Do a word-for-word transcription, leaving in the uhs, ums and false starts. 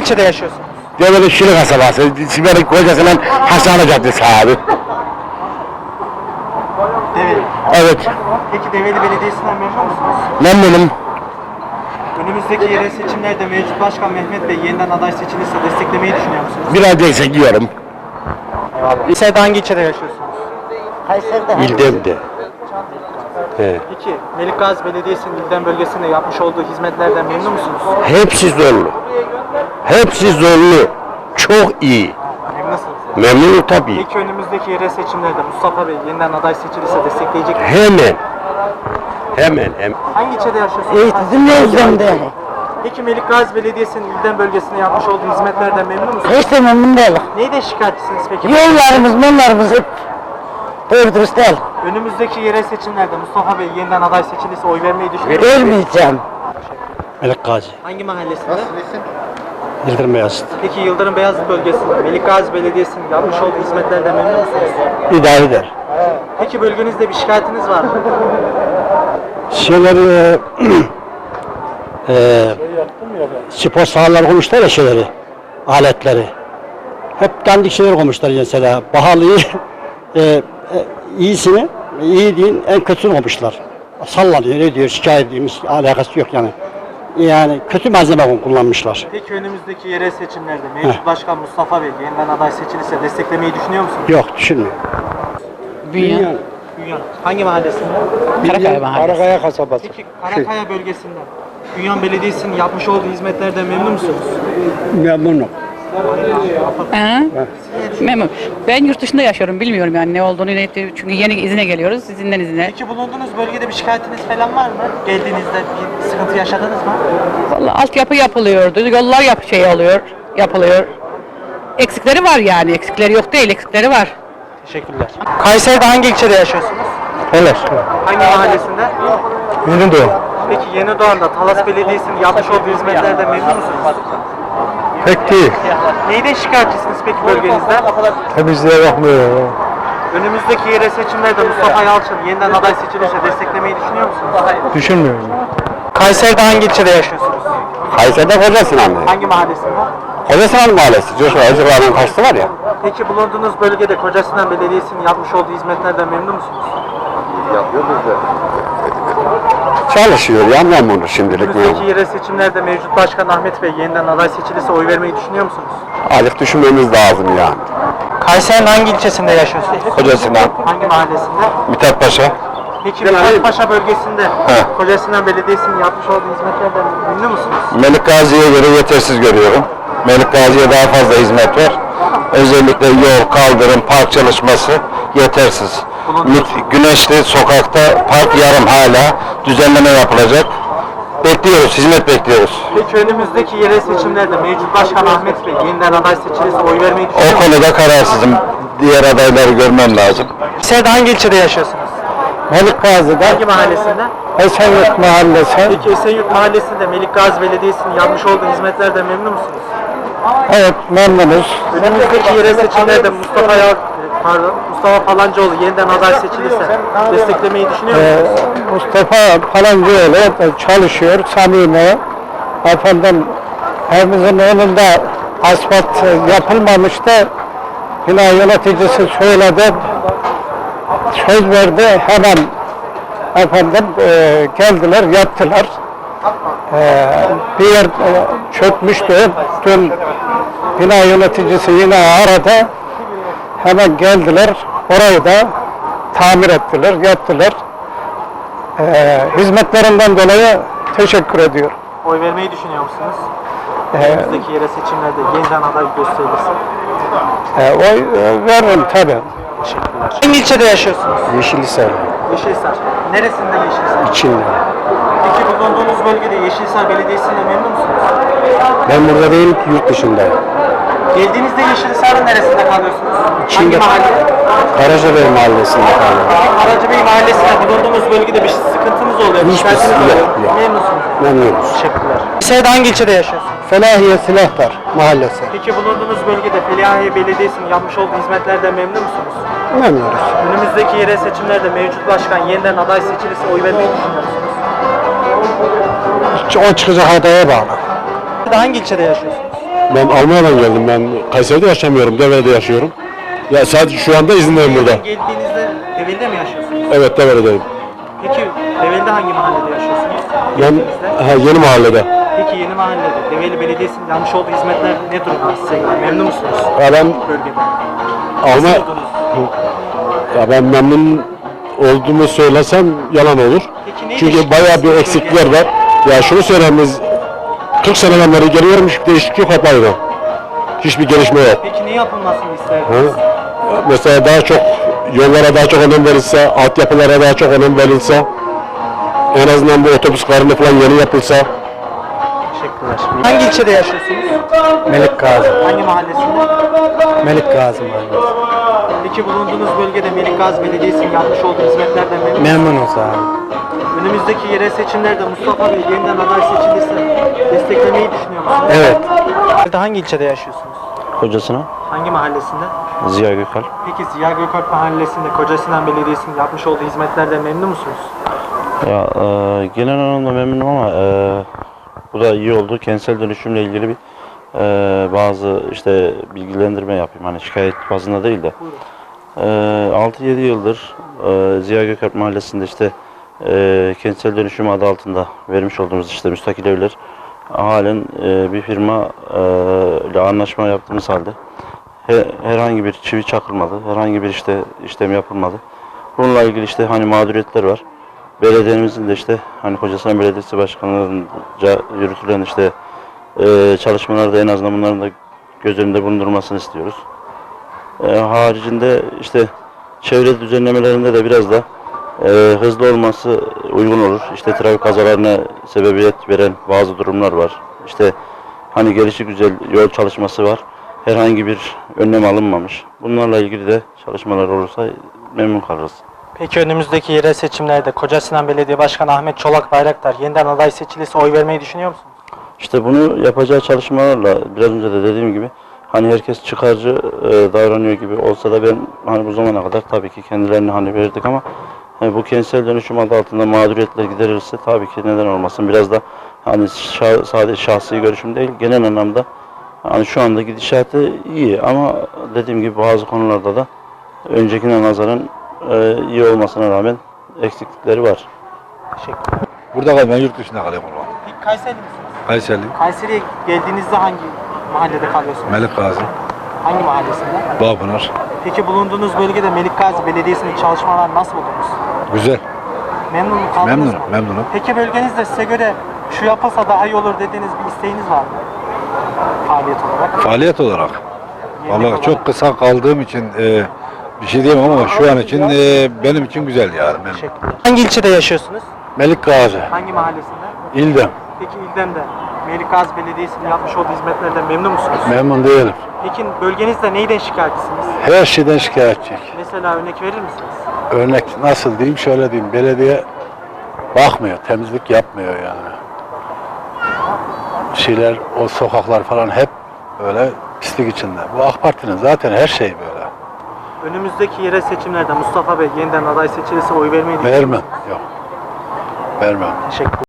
ilçede yaşıyorsunuz? Develi Şili kasabası, Siber'in kocasının Hastane Caddesi abi. Develi. Evet, Peki Develi Belediyesi'nden memnun musunuz? memnunum. Önümüzdeki yerel seçimlerde mevcut başkan Mehmet Bey yeniden aday seçilirse desteklemeyi düşünüyor musunuz? Biraz destekliyorum. İlçede hangi ilçede yaşıyorsunuz? İldem'de. He. Peki Melik Gazi Belediyesi'nin İlden bölgesinde yapmış olduğu hizmetlerden memnun musunuz? Hepsi zorlu. Hepsi zorlu. Çok iyi. Memnunsunuz. Memnunum tabii. Peki önümüzdeki yerel seçimlerde Mustafa Bey yeniden aday seçilirse destekleyecek misiniz? Hemen. Hemen. Hemen. Hangi ilçede yaşıyorsunuz? Eğitim yüzümde. Peki Melik Gazi Belediyesi'nin İlden bölgesinde yapmış olduğu hizmetlerden memnun musunuz? Hiç de memnun değilim. Neyden şikayetçisiniz peki? Yollarımız, mollarımız hep doğru dürüst değil. Önümüzdeki yerel seçimlerde Mustafa Bey yeniden aday seçilirse oy vermeyi düşünüyor musunuz? Vermeyeceğim. Melik Gazi. Hangi mahallesinde? Yıldırım Beyazıt. Peki Yıldırım Beyazıt bölgesinde Melik Gazi Belediyesi'nin yapmış olduğu hizmetlerden memnun musunuz? İdare eder. Peki bölgenizde bir şikayetiniz var mı? Şeyleri e, spor sahaları koymuşlar ya şeyleri, aletleri. Hep dandik şeyler koymuşlar mesela. Pahalıyı, e, e, iyisini, iyi değil, en kötüsünü koymuşlar. Sallanıyor, ne diyor, şikayet ediyormuş, alakası yok yani. Yani kötü malzeme kullanmışlar. Peki önümüzdeki yerel seçimlerde mevcut başkan Mustafa Bey yeniden aday seçilirse desteklemeyi düşünüyor musunuz? Yok, düşünmüyor. Bünyan. Bünyan. Hangi mahallesinde? Karakaya mahallesi. Karakaya kasabası. Peki Karakaya bölgesinde Bünyan Belediyesi'nin yapmış olduğu hizmetlerden memnun musunuz? Memnunum. Ha? Memnun. Ben yurt dışında yaşıyorum. Bilmiyorum yani ne olduğunu. Ne ettiğini. Çünkü yeni izine geliyoruz. İzinden izine. Peki bulunduğunuz bölgede bir şikayetiniz falan var mı? Geldiğinizde bir sıkıntı yaşadınız mı? Vallahi altyapı yapılıyordu. Yollar yap şey oluyor. Yapılıyor. Eksikleri var yani. Eksikleri yok değil. Eksikleri var. Teşekkürler. Kayseri'de hangi ilçede yaşıyorsunuz? Öyle. Hangi mahallesinde? Yeni doğum. Peki Yeni Doğan'da Talas Belediyesi'nin yapmış olduğu hizmetlerden memnun musunuz? Pek değil. Neyden şikayetçisiniz peki bölgenizde? Temizliğe bakmıyor. Önümüzdeki yerel seçimlerde Mustafa Yalçın yeniden aday seçilirse desteklemeyi düşünüyor musunuz? Düşünmüyorum. Kayseri'de hangi ilçede yaşıyorsunuz? Kayseri'de Kocasinan. Hangi mahallesinde? Kocasinan Mahallesi. Coşkun Acılar'ın karşısı var ya. Peki bulunduğunuz bölgede Kocasinan Belediyesi'nin yapmış olduğu hizmetlerden memnun musunuz? Çalışıyor ya memnunum şimdilik Önümüzdeki memnun. yerel seçimlerde mevcut başkan Ahmet Bey yeniden aday seçilirse oy vermeyi düşünüyor musunuz? Azıcık düşünmemiz lazım yani. Kayseri'nin hangi ilçesinde yaşıyorsunuz? Kocasinan, Hangi mahallesinde? Mithat Paşa. Peki Mithatpaşa bölgesinde Kocasinan Belediyesi'nin yapmış olduğu hizmetlerden memnun musunuz? Melik Gazi'ye göre yetersiz görüyorum. Melik Gazi'ye daha fazla hizmet var. Özellikle yol, kaldırım, park çalışması yetersiz. Mit- Güneşli sokakta park yarım hala düzenleme yapılacak. Bekliyoruz, hizmet bekliyoruz. Peki önümüzdeki yerel seçimlerde mevcut başkan Ahmet Bey yeniden aday seçilirse oy vermeyi düşünüyor O musunuz? konuda kararsızım. Diğer adayları görmem lazım. Kayseri'de hangi ilçede yaşıyorsunuz? Melik Gazi'de Hangi mahallesinde? Esenyurt Mahallesi. Peki Esenyurt Mahallesi'nde Melik Gazi Belediyesi'nin yapmış olduğu hizmetlerden memnun musunuz? Evet memnunuz. Önümüzdeki yerel seçimlerde Mustafa Yal pardon, Mustafa Palancıoğlu yeniden aday seçilirse desteklemeyi düşünüyor Ee, musunuz? Mustafa Palancıoğlu çalışıyor, samimi. Efendim, evimizin önünde asfalt yapılmamıştı. Bina yöneticisi söyledi, söz verdi, hemen efendim e, geldiler, yaptılar. E, bir yer e, çökmüştü, dün bina yöneticisi yine aradı, hemen geldiler, orayı da tamir ettiler, yaptılar. Ee, hizmetlerinden dolayı teşekkür ediyorum. Oy vermeyi düşünüyor musunuz? Ee, Önümüzdeki yerel seçimlerde yeniden aday gösterilirse. e, oy e, veririm tabii. Teşekkürler. Hangi ilçede yaşıyorsunuz? Yeşilhisar Yeşilhisar. Neresinde Yeşilhisar? içinde. Peki bulunduğunuz bölgede Yeşilhisar Belediyesi'yle memnun musunuz? Ben burada değilim ki yurt dışındayım. Geldiğinizde Yeşilhisar'ın neresinde kalıyorsunuz? İçinde. Hangi mahalle? Karacabey Mahallesi'nde kalıyorum. Karacabey Mahallesi'nde bulunduğumuz bölgede bir sıkıntınız oluyor, bir Hiçbir şikayetiniz sıkıntı oluyor. yok, yok. Memnunsunuz. Memnunuz. Teşekkürler. Kayseri'de hangi ilçede yaşıyorsunuz? Felahiye Silahtar Mahallesi. Peki bulunduğunuz bölgede Felahiye Belediyesi'nin yapmış olduğu hizmetlerden memnun musunuz? Memnunuz. Önümüzdeki yerel seçimlerde mevcut başkan yeniden aday seçilirse oy vermeyi düşünüyor musunuz? O çıkacak adaya bağlı. Hangi ilçede yaşıyorsunuz? Ben Almanya'dan geldim. Ben Kayseri'de yaşamıyorum. Devre'de yaşıyorum. Ya sadece şu anda izindeyim burada. Geldiğinizde Develi'de mi yaşıyorsunuz? Evet, Devre'deyim. Peki Develi'de hangi mahallede yaşıyorsunuz? Ben Geldiğinizde? ha, yeni mahallede. Peki yeni mahallede Develi Belediyesi'nin yapmış olduğu hizmetler ne durumda size göre? Memnun musunuz? Ya ben Bölgede. Alma Nasıl buldunuz? ya ben memnun olduğumu söylesem yalan olur. Peki neyi Çünkü değiştirdiniz bayağı bir bölgede? eksiklikler var. Ya şunu söyleyeyim, biz kırk seneden beri geliyorum, hiçbir değişiklik yok, hep aynı. Hiçbir gelişme yok. Peki ne yapılmasını Ha? isterdiniz? Mesela daha çok yollara daha çok önem verilse, altyapılara daha çok önem verilse, en azından bu otobüs karını falan yeni yapılsa. Teşekkürler. Hangi ilçede yaşıyorsunuz? Melik Gazi. Hangi mahallesinde? Melik Gazi Mahallesi. Peki bulunduğunuz bölgede Melik Gazi Belediyesi'nin yapmış olduğu hizmetlerden memnun musunuz? Memnunuz abi. Önümüzdeki yerel seçimlerde Mustafa Bey yeniden aday seçilirse desteklemeyi düşünüyor musunuz? Evet. Hangi ilçede yaşıyorsunuz? Hocasına Hangi mahallesinde? Ziya Gökalp. Peki Ziya Gökalp Mahallesi'nde Kocasinan Belediyesi'nin yapmış olduğu hizmetlerden memnun musunuz? Ya e, genel anlamda memnunum ama e, bu da iyi oldu. Kentsel dönüşümle ilgili bir e, bazı işte bilgilendirme yapayım. Hani şikayet bazında değil de. E, altı yedi yıldır e, Ziya Gökalp Mahallesi'nde işte e, kentsel dönüşüm adı altında vermiş olduğumuz işte müstakil evler halen e, bir firma e, ile anlaşma yaptığımız halde he, herhangi bir çivi çakılmadı, herhangi bir işte işlem yapılmadı. Bununla ilgili işte hani mağduriyetler var. Belediyemizin de işte hani Kocasinan Belediyesi Başkanlığı'nca yürütülen işte e, çalışmalarda en azından bunların da göz önünde bulundurmasını istiyoruz. E, haricinde işte çevre düzenlemelerinde de biraz da e, hızlı olması uygun olur. İşte trafik kazalarına sebebiyet veren bazı durumlar var. İşte hani gelişigüzel yol çalışması var. Herhangi bir önlem alınmamış. Bunlarla ilgili de çalışmalar olursa memnun kalırız. Peki önümüzdeki yerel seçimlerde Kocasinan Belediye Başkanı Ahmet Çolak Bayraktar yeniden aday seçilirse oy vermeyi düşünüyor musunuz? İşte bunu yapacağı çalışmalarla biraz önce de dediğim gibi hani herkes çıkarcı e, davranıyor gibi olsa da ben hani bu zamana kadar tabii ki kendilerini hani verdik ama hani bu kentsel dönüşüm adı altında mağduriyetler giderilirse tabii ki neden olmasın. Biraz da hani şah, sadece şahsi görüşüm değil, genel anlamda hani şu anda gidişatı iyi ama dediğim gibi bazı konularda da öncekine nazaran e, iyi olmasına rağmen eksiklikleri var. Teşekkürler. Burada kal, ben yurt dışında kalıyorum ulan. Peki Kayseri misiniz? Kayseri, Kayseri'ye geldiğinizde hangi mahallede kalıyorsunuz? Melik Gazi, Hangi mahallesinde? Bağpınar. Peki bulunduğunuz bölgede Melik Gazi Belediyesi'nin çalışmalarını nasıl buldunuz? Güzel, Memnun kaldınız memnunum, mı? memnunum. Peki bölgenizde size göre şu yapılsa daha iyi olur dediğiniz bir isteğiniz var mı? Faaliyet olarak. Faaliyet olarak, Yenilik vallahi olarak. çok kısa kaldığım için e, bir şey diyemem ama şu an için e, benim için güzel yani. Memnun. Teşekkürler. Hangi ilçede yaşıyorsunuz? Melik Gazi, Hangi mahallesinde? İldem. Peki İldem'de Melik Gazi Belediyesi'nin yapmış olduğu hizmetlerden memnun musunuz? Memnun değilim. Peki bölgenizde neyden şikayetçisiniz? Her şeyden şikayetçiyim. Mesela örnek verir misiniz? Örnek nasıl diyeyim, şöyle diyeyim. Belediye bakmıyor, temizlik yapmıyor yani. Şeyler, o sokaklar falan hep böyle pislik içinde. Bu AK Parti'nin zaten her şeyi böyle. Önümüzdeki yerel seçimlerde Mustafa Bey yeniden aday seçilirse oy vermeyi düşünüyor Vermem, yok. Vermem. Teşekkür